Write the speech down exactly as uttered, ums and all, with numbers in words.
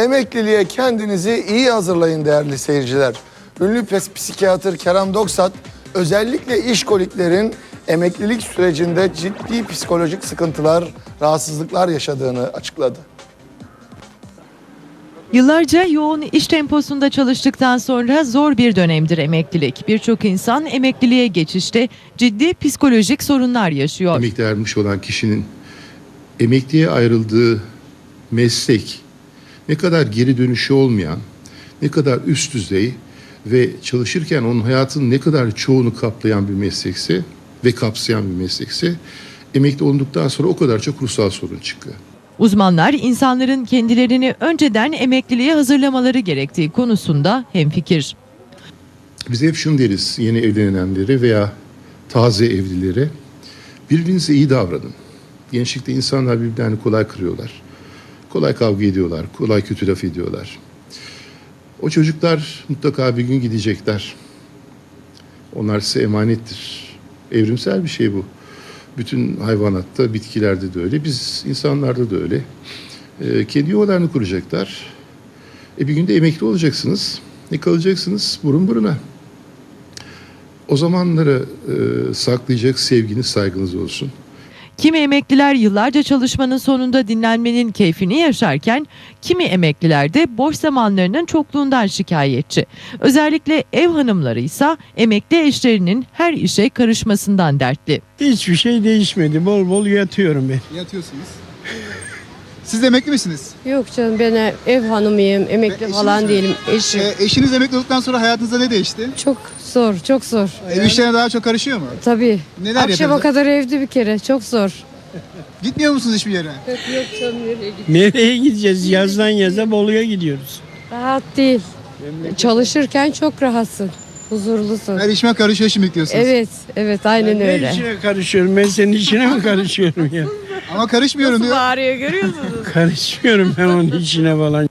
Emekliliğe kendinizi iyi hazırlayın değerli seyirciler. Ünlü psikiyatr Kerem Doksat özellikle işkoliklerin emeklilik sürecinde ciddi psikolojik sıkıntılar, rahatsızlıklar yaşadığını açıkladı. Yıllarca yoğun iş temposunda çalıştıktan sonra zor bir dönemdir emeklilik. Birçok insan emekliliğe geçişte ciddi psikolojik sorunlar yaşıyor. Emekli ermiş olan kişinin emekliye ayrıldığı meslek ne kadar geri dönüşü olmayan, ne kadar üst düzey ve çalışırken onun hayatının ne kadar çoğunu kaplayan bir meslekse ve kapsayan bir meslekse emekli olduktan sonra o kadar çok ruhsal sorun çıkıyor. Uzmanlar insanların kendilerini önceden emekliliğe hazırlamaları gerektiği konusunda hemfikir. Biz hep şunu deriz yeni evlenenlere veya taze evlilere: birbirinize iyi davranın. Gençlikte insanlar birbirlerini kolay kırıyorlar. Kolay kavga ediyorlar, kolay kötü laf ediyorlar. O çocuklar mutlaka bir gün gidecekler. Onlar size emanettir. Evrimsel bir şey bu. Bütün hayvanatta, bitkilerde de öyle. Biz insanlarda da öyle. Ee, kendi yuvalarını kuracaklar. E bir günde emekli olacaksınız. Ne kalacaksınız? Burun buruna. O zamanları e, saklayacak sevginiz, saygınız olsun. Kimi emekliler yıllarca çalışmanın sonunda dinlenmenin keyfini yaşarken, kimi emekliler de boş zamanlarının çokluğundan şikayetçi. Özellikle ev hanımları ise emekli eşlerinin her işe karışmasından dertli. Hiçbir şey değişmedi. Bol bol yatıyorum ben. Yatıyorsunuz. Siz de emekli misiniz? Yok canım, ben ev hanımıyım, emekli Ve falan eşiniz mi? değilim. Eşim. Ee, eşiniz emekli olduktan sonra hayatınızda ne değişti? Çok zor, çok zor. Ev işlerine daha çok karışıyor mu? Tabii. Neler Akşama yapıyorsunuz? kadar evde bir kere, çok zor. Gitmiyor musunuz hiçbir yere? Yok canım, nereye gidiyorsun? Nereye gideceğiz? Yazdan yaza Bolu'ya gidiyoruz. Rahat değil. Çalışırken çok rahatsın, huzurlusun. Her işime karışıyor şimdi diyorsunuz. Evet, evet, aynen Ne öyle. işine karışıyorum? Ben senin işine mi karışıyorum ya? Ama karışmıyorum diyor. Bağırıyor, görüyor musunuz? Karışmıyorum ben onun işine falan.